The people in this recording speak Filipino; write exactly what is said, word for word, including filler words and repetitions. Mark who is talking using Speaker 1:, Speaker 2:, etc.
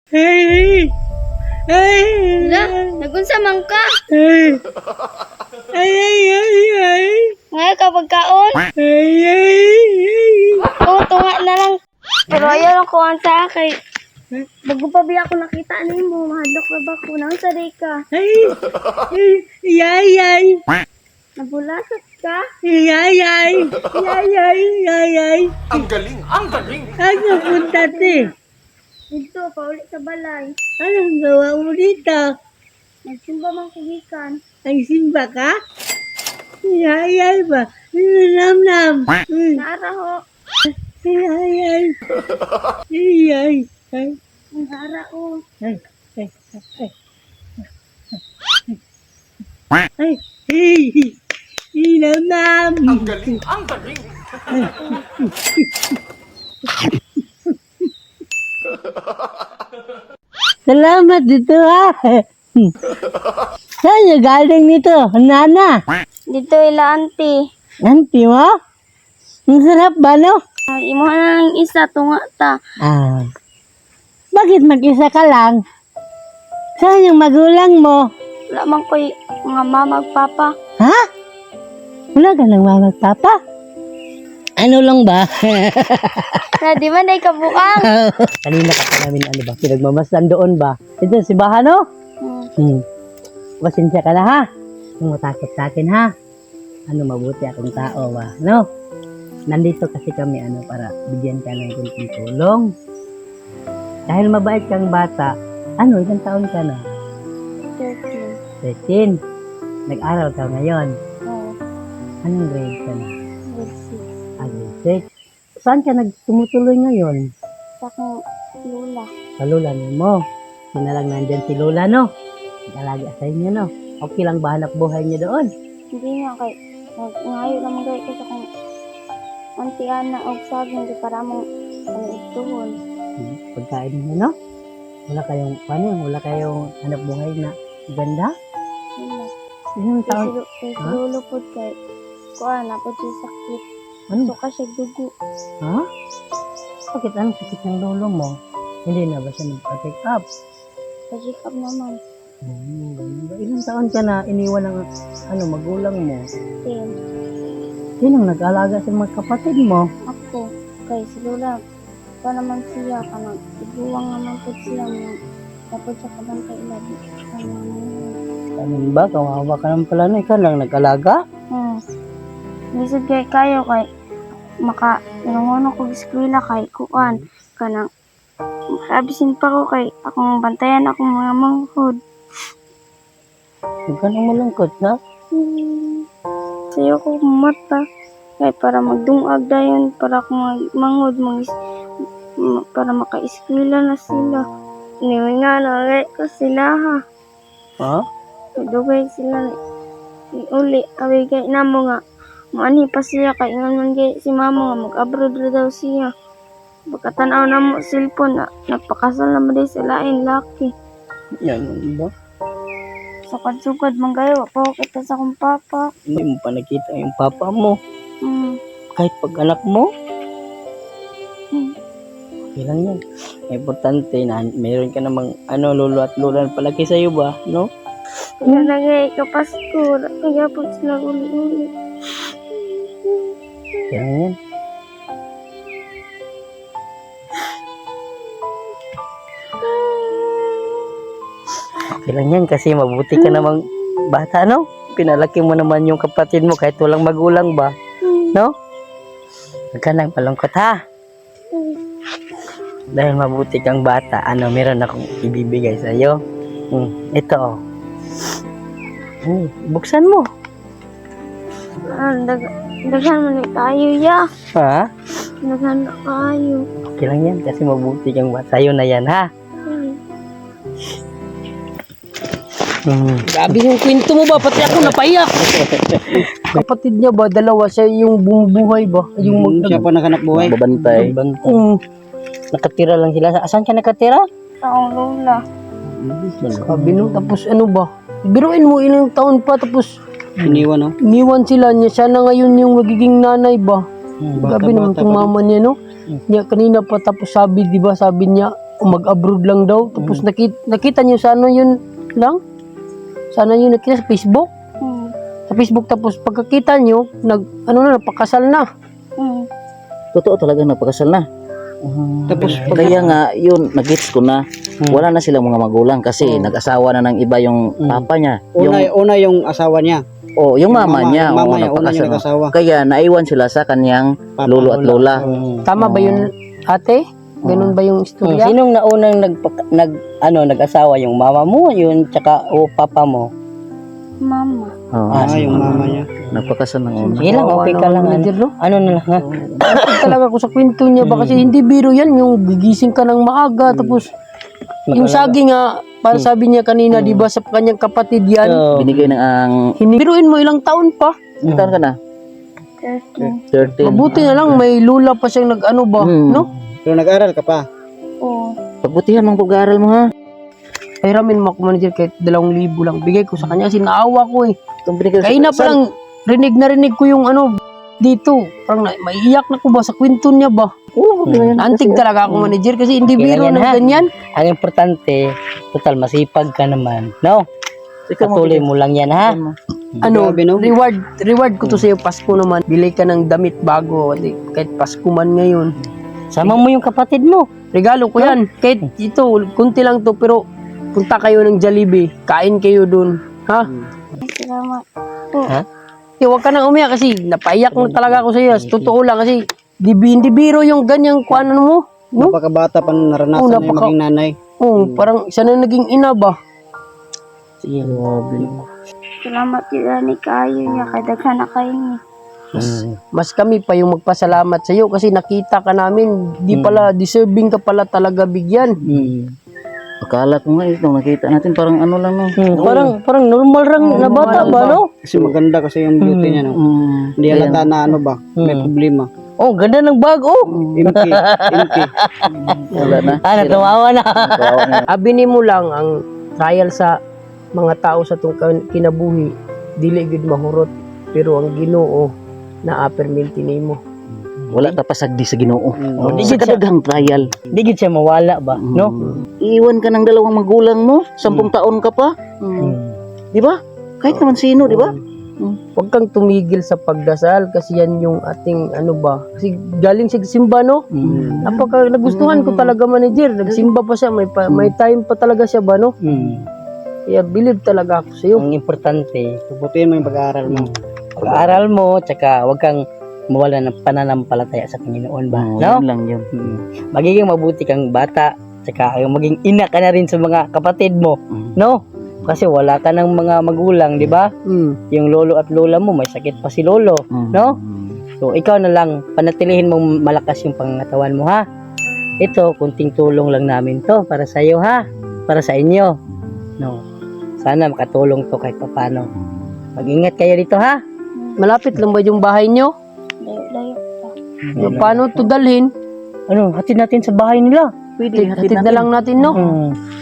Speaker 1: Ay! Ay!
Speaker 2: Hala, nagunsa man ka.
Speaker 1: Ay! Ay! Ay! Ay! Ay!
Speaker 2: Ngayon ka pagkaon.
Speaker 1: Ay! Ay!
Speaker 2: Oo, tunga na lang. Pero ayaw lang ko ang sa akin. Bago pa biya ako nakita ni mo, mahadlok na ba ko nang saday ka?
Speaker 1: Ay! Ay! Ay! Ay!
Speaker 2: Nabulasat ka?
Speaker 1: Ay! Ay! Ay! Ay! Ay! Ay!
Speaker 3: Ang galing, ang galing.
Speaker 1: Saan ka punta, te?
Speaker 2: Dito, pauli sa balay.
Speaker 1: Anong gawa mo dito?
Speaker 2: Nagsimba mang kugikan.
Speaker 1: Ay, simba ka? Ay! Ay! Ay! Ba? Nam nam! Ay!
Speaker 2: Naara ho.
Speaker 1: Ay! Ay! Ay! Ay! Ay! Ay!
Speaker 2: Naara ho.
Speaker 1: Ay! Ay! Ay! Ay! Ay! Ay! Nam nam!
Speaker 3: Ang galing, ang galing.
Speaker 1: Salamat dito ha. Saan yung galing nito? Nana?
Speaker 2: Dito ila auntie.
Speaker 1: Nanti mo? Ang sarap ba no?
Speaker 2: Ay, imo na lang isa, tunga ta.
Speaker 1: Ah. Bakit mag-isa ka lang? Saan yung magulang mo?
Speaker 2: Wala man ko'y mga mama ug papa.
Speaker 1: Ha? Wala ka nang mamagpapa? Ano lang ba?
Speaker 2: Na di man ay kabuang.
Speaker 1: Kanina ka pa namin ano ba? Pinagmamasdan doon ba? Ito si Bahano?
Speaker 2: Hmm.
Speaker 1: Hmm. Pasensya ka na ha. Kung matakot sa akin ha. Ano mabuti akong tao ba? No? Nandito kasi kami ano para bigyan ka ng kunting tulong. Dahil mabait kang bata, ano, ilang taon ka na?
Speaker 2: thirteen.
Speaker 1: thirteen. Nag-aral ka ngayon.
Speaker 2: Oo.
Speaker 1: Anong grade ka na?
Speaker 2: Grade six.
Speaker 1: Ah, grade six. Saan ka nagtumutuloy ngayon?
Speaker 2: Sa akong lula.
Speaker 1: Sa lula mo. Sina lang nandyan si Lola, no? Nag-alaga sa inyo, no? Okay lang ba hanap buhay niyo doon?
Speaker 2: Hindi nga kay nag- ngayon naman gay kasi kung auntie Ana og saging di para mong ano ituhon.
Speaker 1: Hmm, Pagkain niyo, no? Wala kayong, paano yun? Wala kayong hanap buhay na ganda?
Speaker 2: Wala.
Speaker 1: Ilang
Speaker 2: Kasi
Speaker 1: taon?
Speaker 2: lu- kay
Speaker 1: Ha?
Speaker 2: lulo pod kay kuan na pod siya sakit.
Speaker 1: Ano?
Speaker 2: So kasi dugo.
Speaker 1: Ha? Bakit anong sakit ng lolo mo? Hindi na ba siya nagpa-check up?
Speaker 2: Pa-check up naman.
Speaker 1: Hmm, ilang taon ka na iniwan ng ano, magulang mo?
Speaker 2: Then,
Speaker 1: Sinong nag-alaga sa mga kapatid mo?
Speaker 2: ako kay si Lola pa naman siya kanang iguwang naman pod siya mo. Tapos sa kabantay ila di ano.
Speaker 1: Ano ba? Kawawa ka naman pala na. Ikaw lang nag-alaga?
Speaker 2: Hmm. Bisod kay kayo kay maka inunguno ko eskwela kay kuan kanang makabisin pa ko kay akong bantayan akong mga manghod.
Speaker 1: Huwag ka nang malungkot, na?
Speaker 2: Hmm. Sayo ko mata kay para magdungag dayon para akong mag- manghod mga para maka-eskwela na sila. Niwi nga na ko sila ha.
Speaker 1: Ha?
Speaker 2: Dugay sila ni uli away kay namo nga maani pa siya kay ingon man gay si mama nga mag-abroad ra daw siya. Pagkatanaw na mo cellphone na nagpakasal na mo day sa lain laki.
Speaker 1: Yan, ano ba?
Speaker 2: Sukad-sukad man kayo pa ko kita sa akong papa.
Speaker 1: Hindi mo pa nakita yung papa mo.
Speaker 2: Hmm.
Speaker 1: Kahit pag anak mo,
Speaker 2: Hmm.
Speaker 1: okay lang yan. Importante na meron ka namang ano, lolo at lola na palaki sa'yo ba, no?
Speaker 2: Kaya nagay kapasko, kaya po sila uli-uli.
Speaker 1: Okay lang yan. Okay lang yan kasi mabuti ka namang bata, no? Pinalaki mo naman yung kapatid mo kahit walang magulang ba, no? Huwag ka nang palungkot ha. Dahil mabuti kang bata, ano, meron akong ibibigay sa'yo. Hmm, ito oh. Hmm, buksan mo.
Speaker 2: Ah, dag daghan man ni kayo ya.
Speaker 1: Ha?
Speaker 2: Daghan na kayo.
Speaker 1: Okay lang yan kasi mabuti kang bata. Sa'yo na yan ha.
Speaker 2: Hmm.
Speaker 1: Hmm.
Speaker 4: Grabe yung kwento mo ba? Pati ako napaiyak. Kapatid niya ba? Dalawa siya yung bumubuhay ba? Yung mag-
Speaker 5: Siya pa nakanak buhay.
Speaker 1: Babantay. Babantay.
Speaker 4: Mm.
Speaker 1: Nakatira lang sila. Saan ka nakatira?
Speaker 2: Sa akong lola.
Speaker 4: Sabi no, tapos ano ba? Biruin mo ilang taon pa tapos
Speaker 5: Iniwan, no?
Speaker 4: iniwan sila niya. Siya na ngayon yung magiging nanay ba?
Speaker 5: Hmm,
Speaker 4: Grabe naman
Speaker 5: bata
Speaker 4: itong
Speaker 5: pa
Speaker 4: mama niya no. Niya kanina pa tapos sabi di ba sabi niya mag-abroad lang daw. Tapos nakita, nakita niyo sa ano yun lang? Sa ano yun nakita sa Facebook?
Speaker 2: Hmm.
Speaker 4: Sa Facebook, tapos pagkakita niyo, nag, ano na, napakasal na.
Speaker 2: Hmm.
Speaker 5: Totoo talaga napakasal na.
Speaker 6: Tapos
Speaker 5: Kaya nga, yun, nag-gets ko na. Wala na silang mga magulang kasi nag-asawa na ng iba yung papa niya.
Speaker 6: una,
Speaker 5: Yung,
Speaker 6: una yung asawa niya.
Speaker 5: oh, yung mama, niya.
Speaker 6: Yung mama
Speaker 5: oh,
Speaker 6: niya, una
Speaker 5: napakasal
Speaker 6: yung
Speaker 5: na.
Speaker 6: nag-asawa.
Speaker 5: Kaya naiwan sila sa kanyang
Speaker 6: Papa,
Speaker 5: lolo at lola.
Speaker 4: Tama ba yun, ate? Ganun ba yung istorya?
Speaker 1: Sinong naunang nag, nag ano nag-asawa, yung mama mo, yun tsaka o papa mo?
Speaker 2: Mama.
Speaker 5: Oh,
Speaker 6: Ah, yung mama niya.
Speaker 5: napakasal ng una.
Speaker 1: Sige lang, okay ka lang. Ano,
Speaker 4: Manager, no?
Speaker 1: ano na lang ha?
Speaker 4: Bakit talaga ako sa kwento niya ba? Kasi hindi biro yan, yung gigising ka ng maaga, tapos yung saging nga, para sabi niya kanina, di ba, sa kanyang kapatid yan,
Speaker 1: So,
Speaker 5: Binigay ng ang...
Speaker 4: hinibiruin mo ilang taon pa.
Speaker 5: Ilang taon ka na?
Speaker 2: thirteen.
Speaker 5: thirteen.
Speaker 4: Mabuti na lang, may lula pa siyang nag-ano ba,
Speaker 5: Hmm.
Speaker 4: no?
Speaker 6: Pero nag-aral ka pa.
Speaker 2: Oo.
Speaker 5: Pagbutihan mong pag-aaral mo ha.
Speaker 4: Pahiramin mo ako, manager, kahit dalawang libo lang. Bigay ko sa kanya kasi naawa ko eh.
Speaker 5: Itong binigay sa-
Speaker 4: Kaya na
Speaker 5: sa-
Speaker 4: parang rinig na rinig ko yung ano, dito. Parang na, maiiyak na ko ba sa kwento niya ba?
Speaker 5: Oo, okay na yan.
Speaker 4: Naantig talaga ako, manager, kasi hindi
Speaker 1: Okay
Speaker 4: biro
Speaker 1: lang yan,
Speaker 4: na
Speaker 1: ha?
Speaker 4: ganyan.
Speaker 1: ang importante, total masipag ka naman. No?
Speaker 5: Ikaw mo,
Speaker 1: Patuloy mo lang yan ha?
Speaker 4: Ano,
Speaker 6: Grabe, no?
Speaker 4: reward, reward ko to sa'yo, Pasko naman. Bili ka ng damit bago, di- kahit Pasko man ngayon.
Speaker 1: Sama mo yung kapatid mo.
Speaker 4: Regalo ko yan. Kahit ito, kunti lang to, pero punta kayo ng Jollibee, kain kayo dun. Ha?
Speaker 2: Salamat.
Speaker 4: Eh, huwag ka nang umiyak kasi napaiyak na talaga ako sa iyo. Totoo lang kasi di, hindi biro yung ganyang kuanan mo. No?
Speaker 6: Napakabata pa nung naranasan
Speaker 4: Oo,
Speaker 6: na yung
Speaker 4: napaka-
Speaker 6: maging nanay.
Speaker 4: Oh, parang siya na naging ina ba?
Speaker 1: Sige.
Speaker 2: Salamat yun ni kayo niya. Kaya daghan na kayo niya.
Speaker 4: Mas kami pa yung magpasalamat sa iyo kasi nakita ka namin, di pala deserving ka pala talaga bigyan.
Speaker 1: Hmm.
Speaker 5: Akala ko nga ito, nakita natin parang ano lang no.
Speaker 1: Hmm, parang parang normal lang na bata
Speaker 4: normal
Speaker 1: ba,
Speaker 4: ba?
Speaker 1: no?
Speaker 6: Kasi maganda kasi yung beauty niya. No?
Speaker 5: Mm,
Speaker 6: Hindi halata na ano ba, may problema.
Speaker 1: Oh, ganda ng bag, oh.
Speaker 6: Imki, imki.
Speaker 5: wala na.
Speaker 1: Ah, natumawa na.
Speaker 5: Kawawa na.
Speaker 4: Abini mo lang ang trial sa mga tao sa itong kan- kinabuhi, dili gud mahurot, pero ang Ginoo na aperminti nimo.
Speaker 5: Wala ka pasagdi sa Ginoo.
Speaker 6: Mm.
Speaker 5: Oh, sa kadaghang trial.
Speaker 1: Hindi gid siya mawala ba, no?
Speaker 5: Iiwan ka ng dalawang magulang mo, sampung taon ka pa.
Speaker 1: Hmm.
Speaker 5: Di ba? Kahit naman sino, di ba?
Speaker 4: Huwag kang tumigil sa pagdasal kasi yan yung ating ano ba, kasi galing sa simba, no?
Speaker 1: Hmm.
Speaker 4: Napaka nagustuhan ko talaga, manager. Nagsimba pa siya, may pa, may time pa talaga siya ba, no?
Speaker 1: Hmm.
Speaker 4: Kaya believe talaga ako sa iyo.
Speaker 1: Ang importante,
Speaker 6: Puputihin mo yung pag-aaral mo.
Speaker 1: pag-aaral mo, tsaka huwag kang mawala ng pananampalataya sa Panginoon ba,
Speaker 5: Oo,
Speaker 1: no?
Speaker 5: yun lang yun.
Speaker 1: Hmm. Magiging mabuti kang bata, tsaka yung maging ina ka na rin sa mga kapatid mo,
Speaker 5: Mm.
Speaker 1: no? Kasi wala ka ng mga magulang, di ba?
Speaker 4: Mm.
Speaker 1: Yung lolo at lola mo, may sakit pa si lolo,
Speaker 5: Mm.
Speaker 1: no? So, ikaw na lang, panatilihin mong malakas yung pangangatawan mo, ha? Ito, kunting tulong lang namin to para sa iyo, ha? Para sa inyo, no? Sana makatulong to kahit papano. Mag-ingat kayo dito, ha?
Speaker 4: Malapit lang ba yung bahay nyo?
Speaker 2: Layo-layo pa.
Speaker 4: Yung paano to dalhin?
Speaker 1: Ano, hatid natin sa bahay nila.
Speaker 5: Pwede,
Speaker 4: Hatid na lang natin, no?
Speaker 1: Hmm.